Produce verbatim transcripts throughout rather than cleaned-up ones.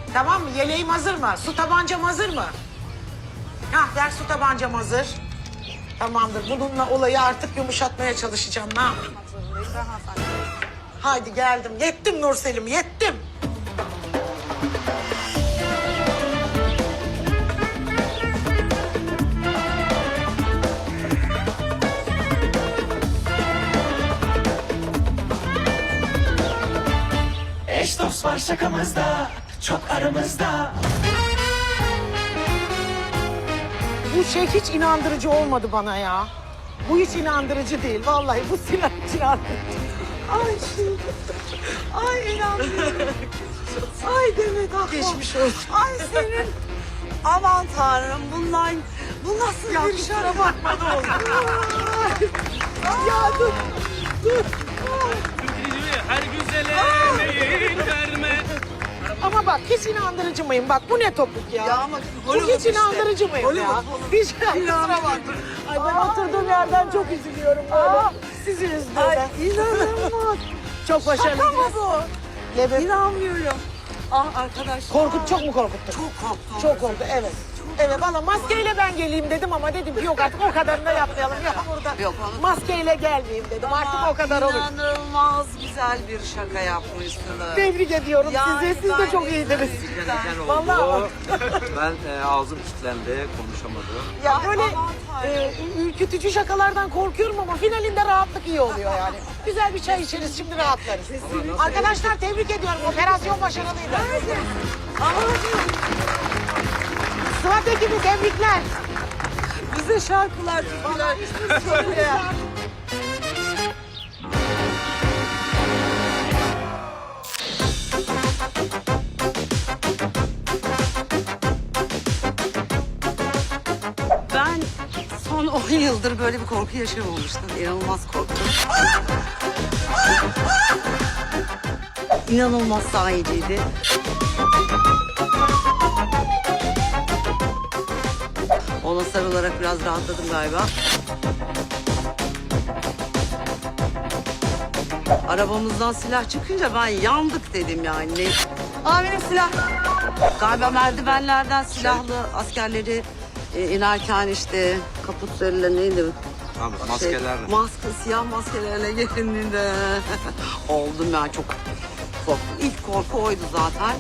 Tamam mı? Yeleğim hazır mı? Su tabancam hazır mı? Hah, ver su tabancam hazır. Tamamdır. Bununla olayı artık yumuşatmaya çalışacağım. Ne yapayım? Haydi geldim. Yettim Nurselim, yettim. Eş dost var şakamızda, çok aramızda. Bu şey hiç inandırıcı olmadı bana ya. Bu hiç inandırıcı değil. Vallahi bu silah hiç inandırıcı. Ay şey. Ay inanmıyorum. Ay Demet ah. Geçmiş olsun. Ay senin. Aman tanrım bunlar. Bu nasıl Ya bir kusura şarap? bakma ne oldu. Ya dur. Dur. Her güzele meyil verme. Ama bak hiç inandırıcı mıyım? Bak bu ne topuk ya? Ya ama bu Hollywood hiç işte. inandırıcı mıyım ya? Hollywood, Hollywood. Hiç kusura bakma. Ay ben oturduğum yerden çok üzülüyorum böyle. Sizi üzdüğüme. Ay inanılmaz. Çok başarılı. Şaka mı bu? Lebep. İnanmıyorum. Ah arkadaş. Korkut çok mu korkuttu? Çok korktum. Çok oldu evet. Evet valla maskeyle ben geleyim dedim ama dedim ki yok artık o kadarını da yapmayalım. Yok burada Yok, onu- maskeyle gelmeyeyim dedim. Artık o kadar olur. İnanılmaz güzel bir şaka yapmışsınız. Tebrik ediyorum Yani sizi. Siz de ben çok de- iyiydiniz. Cidden. Vallahi Ben e, ağzım kilitlendi, konuşamadım. ya Ay, böyle aman Tanrım. e, ürkütücü şakalardan korkuyorum ama finalinde rahatlık iyi oluyor yani. Güzel bir çay içeriz şimdi rahatlarız. Arkadaşlar tebrik ediyorum. Operasyon başarılıydı. Sıvat ekibi tebrikler. Bize şarkılar türküler söyle. Ben son on yıldır böyle bir korku yaşamamıştım. İnanılmaz korktum. İnanılmaz sahiciydi. Ona sarılarak biraz rahatladım galiba. Arabamızdan silah çıkınca ben yandık dedim yani. Aa benim silah. Galiba merdivenlerden silahlı askerleri e, inerken işte kaputlarıyla neydi? Tamam, maskelerle. Şey, maske, siyah maskelerle gelindiğinde oldum ben çok korktum. İlk korku oydu zaten.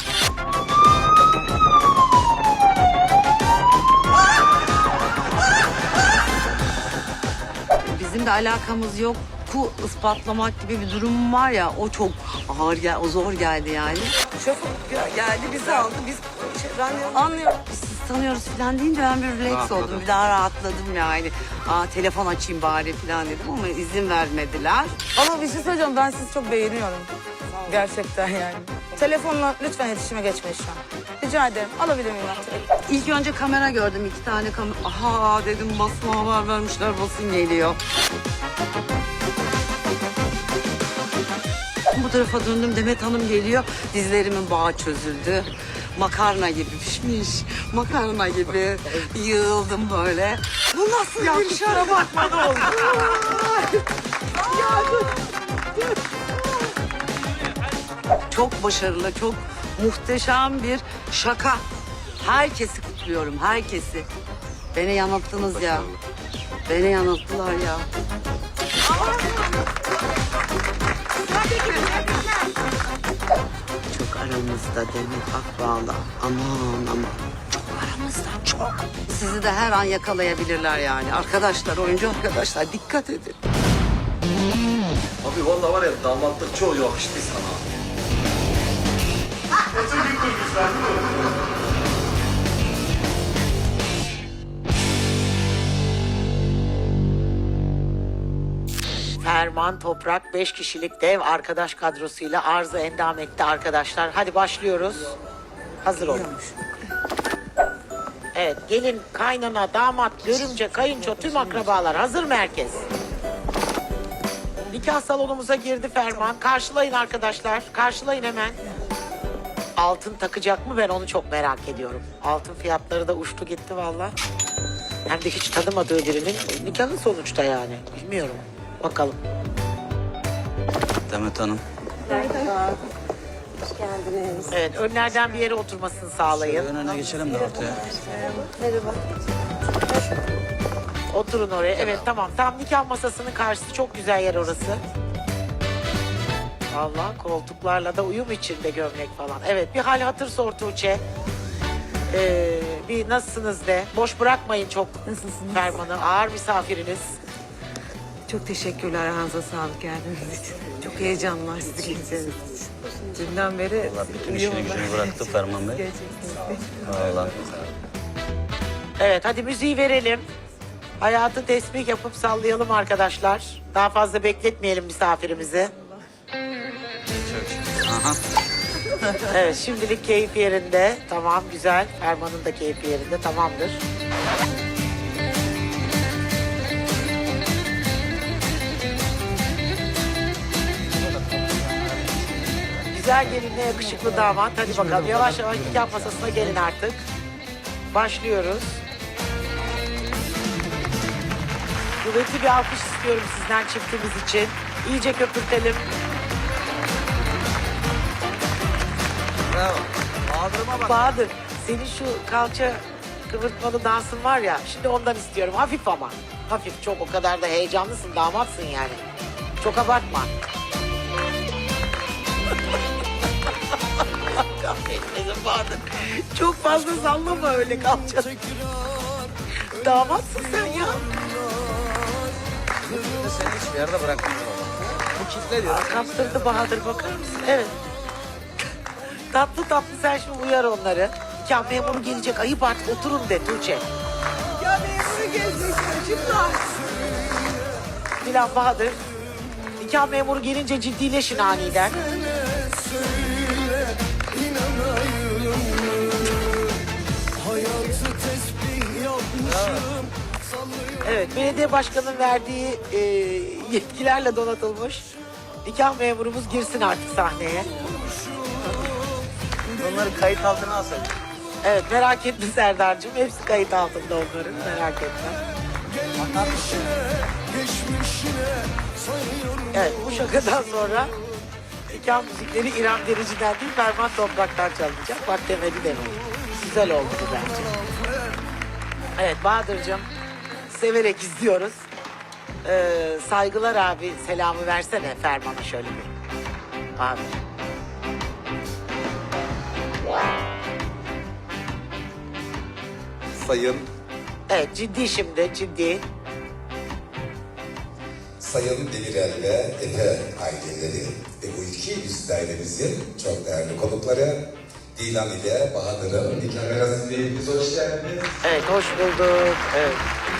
Bizim de alakamız yok. Ku ispatlamak gibi bir durum var ya, o çok ağır gel, o zor geldi yani. Şoför gel- geldi bizi aldı, biz şey, ben anlıyorum. Biz sizi tanıyoruz falan deyince ben bir relax Rahatladın. oldum, bir daha rahatladım yani. Aa telefon açayım bari falan dedim ama izin vermediler. Ama bir şey söyleyeceğim, ben sizi çok beğeniyorum. Gerçekten yani. Telefonla lütfen iletişime geçmeyin şu an. Rica ederim. Alabilir miyim ben telefonu? İlk önce kamera gördüm, iki tane kamera. Aha dedim, basına haber vermişler, basın geliyor. Bu tarafa döndüm, Demet Hanım geliyor. Dizlerimin bağı çözüldü. Makarna gibi pişmiş. Makarna gibi yığıldım böyle. Bu nasıl Ya bir kusura şarap? bakma ne oldu. Ya dur. Çok başarılı, çok muhteşem bir şaka. Herkesi kutluyorum, herkesi. Beni yanılttınız ya. Beni yanılttılar ya. Çok aramızda Demet Akbağ'la. Aman aman. Çok aramızda, çok. Sizi de her an yakalayabilirler yani. Arkadaşlar, oyuncu arkadaşlar dikkat edin. Abi vallahi var ya damatlık çok yakıştı sana. Ferman Toprak beş kişilik dev arkadaş kadrosuyla arıza endam etti arkadaşlar. Hadi başlıyoruz. Hazır olun. Evet gelin, kaynana, damat, görümce, kayınço tüm akrabalar hazır mı herkes? Nikah salonumuza girdi Ferman. Karşılayın arkadaşlar. Karşılayın hemen. Altın takacak mı ben onu çok merak ediyorum. Altın fiyatları da uçtu gitti valla. Hem de hiç tanımadığı birinin nikahı sonuçta yani. Bilmiyorum. Bakalım. Demet Hanım. Hoş geldiniz. Evet, önlerden bir yere oturmasını sağlayın. Ön öne geçelim de ortaya. Merhaba. Oturun oraya. Evet, tamam. Tam nikah masasının karşısı, çok güzel yer orası. Allah, koltuklarla da uyum içinde gömlek falan. Evet, bir hal hatır sor Tuğçe. Ee, bir nasılsınız de. Boş bırakmayın çok Nasılsınız? Ferman'ı. Ağır misafiriniz. Çok teşekkürler. Ayağınıza sağlık geldiğiniz için. Çok heyecanlar sizi göreceğiniz için. Dünden beri Bütün işini gücünü bıraktı Ferman Bey. Vallahi. Evet, hadi müziği verelim. Hayatı tesbih yapıp sallayalım arkadaşlar. Daha fazla bekletmeyelim misafirimizi. Aha. Evet, şimdilik keyif yerinde. Tamam, güzel. Ferman'ın da keyfi yerinde. Tamamdır. Güzel gelinle yakışıklı damat. Hadi bakalım, yavaş yavaş nikah masasına gelin artık. Başlıyoruz. Kuvvetli bir alkış istiyorum sizden çiftimiz için. İyice köpürtelim. Bravo. Bahadır'ıma bak. Bahadır, senin şu kalça kıvırtmalı dansın var ya, şimdi ondan istiyorum. Hafif ama. Hafif, çok o kadar da heyecanlısın, damatsın yani. Çok abartma. Kahretmesin Bahadır. Çok fazla sallama öyle kalçanı. Damatsın sen ya. Seni hiçbir yerde bırakmıyor. Bu kitle diyor. Kaptırdı Bahadır, bakar mısın? Evet. Tatlı tatlı sen şimdi uyar onları. Nikah memuru gelecek, ayıp artık, oturun de Tuğçe. Ya memuru gelecek çocuklar. Dilan, Bahadır. Nikah memuru gelince ciddileşin aniden. Evet, belediye başkanının verdiği e, yetkilerle donatılmış nikah memurumuz girsin artık sahneye. Onları kayıt altına alsaydık. Evet, merak etme Serdar'cığım. Hepsi kayıt altında onların, merak etme. Evet, bu şakadan sonra nikah müzikleri İrem Derici'den değil, Ferman Toprak'tan çalınacak. Bak demedi demedi. Güzel oldu bu bence. Evet Bahadır'cığım, severek izliyoruz. Ee, saygılar abi, selamı versene Ferman'a şöyle bir. Bahadır. Sayın Evet, ciddi şimdi, ciddi. Sayın Demirel ve Efe aileleri ve bu iki yüz dairemizin çok değerli konukları Dilan ile Bahadır'ın nikah merasimine hoş geldiniz. Evet, hoş bulduk. Evet.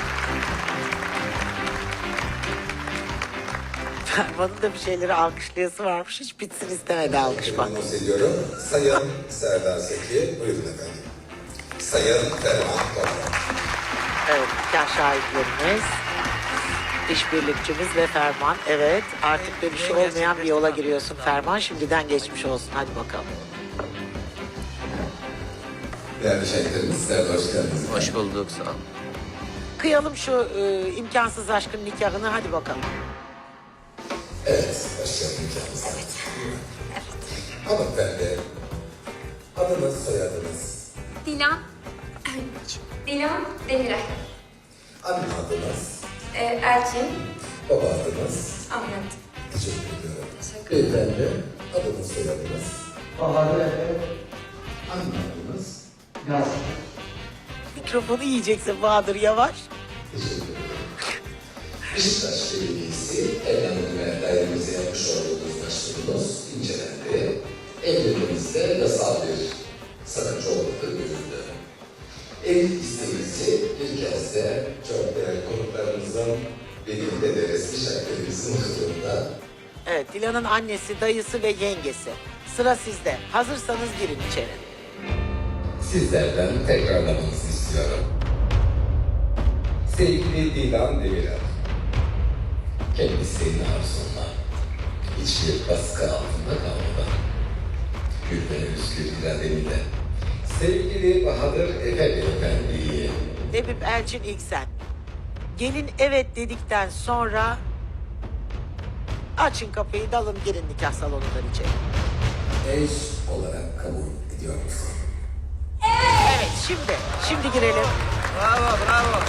Ferman'ın da bir şeyleri alkışlayası varmış. Hiç bitsin istemedi alkış bak. Anons ediyorum. Sayın Serdar Seki, buyurun efendim. Sayın Ferman Toprak. Evet, nikah şahitlerimiz, işbirlikçimiz ve Ferman. Evet, artık da bir şey olmayan bir yola giriyorsun Ferman. Şimdiden geçmiş olsun. Hadi bakalım. Değerli şahitlerimiz, sizler de hoş geldiniz. Hoş bulduk, sağ olun. Kıyalım şu e, imkansız aşkın nikahını, hadi bakalım. Evet, başlayalım nikahımıza. Hanımefendi, adınız, soyadınız, Dilan, Dilan Demirel, anne adınız, ee, Elçin, baba adınız. Ahmet. Teşekkür ediyorum. Beyefendi, adınız, soyadınız, Bahadır Efe, anne adınız. Gazi. Mikrofonu yiyeceksin Bahadır, yavaş. Teşekkür ederim. Beşiktaş Belediyesi evlendirme dairemize yapmış olduğunuz başvurunuz incelendi. Evliliğinizde yasal bir sakınca olmadığı görüldü. Evlilik isteğinizi bir kez de çok değerli konuklarımızın birlikte de resmi şartlarımızın huzurunda Evet, Dilan'ın annesi, dayısı ve yengesi. Sıra sizde. Hazırsanız girin içeri. sizlerden tekrarlamanızı istiyorum. Sevgili Dilan Demirel, kendisinin arzunla hiçbir baskı altında kalmadan gül ve özgür iradenle sevgili Bahadır Efe Beyefendi'yi Lebip Elçin ilk sen. Gelin evet dedikten sonra açın kapıyı, dalın girin nikah salonundan içeri. eş olarak kabul ediyor musun? Evet şimdi. Şimdi girelim. Bravo, bravo.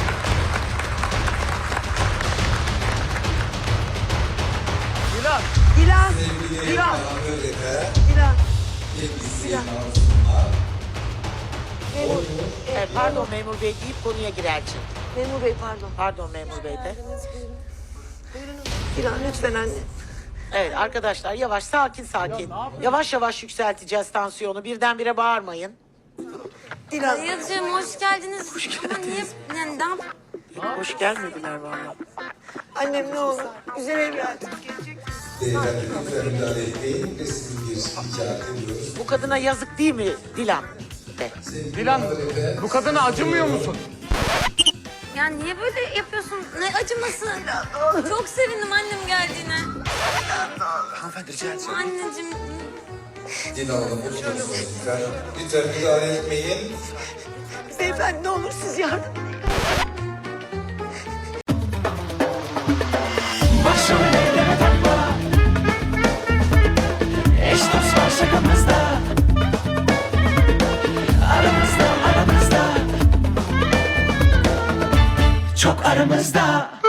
Dilan. Sevgili Dilan. Mahmut Efe Dilan. kendisi Mazlum'a Evet, pardon memur bey deyip konuya girer Elçin. Memur Bey pardon. Pardon memur bey de. Dilan lütfen anne. Evet arkadaşlar yavaş sakin sakin. Yavaş yavaş yükselteceğiz tansiyonu. Birdenbire bağırmayın. Dilan. Dayıcığım hoş geldiniz. Ama niye? Yani ne yap- Hoş gelmediler vallahi. Annem ne olur. Güzel evladım. beyefendi lütfen müdahale etmeyin ve sizin bir rica ediyoruz. Bu kadına yazık değil mi Dilan? De. Dilan, bu kadına acımıyor musun? Ya niye böyle yapıyorsun? Ne acıması? Çok sevindim annem geldiğine. Hanımefendi rica etsem. Anneciğim. Dilan Hanım oturun lütfen. Lütfen müdahale etmeyin. Beyefendi ne olur siz yardım edin. Başrollere takma. Eş dost var şakamızda. Aramızda aramızda. Çok aramızda.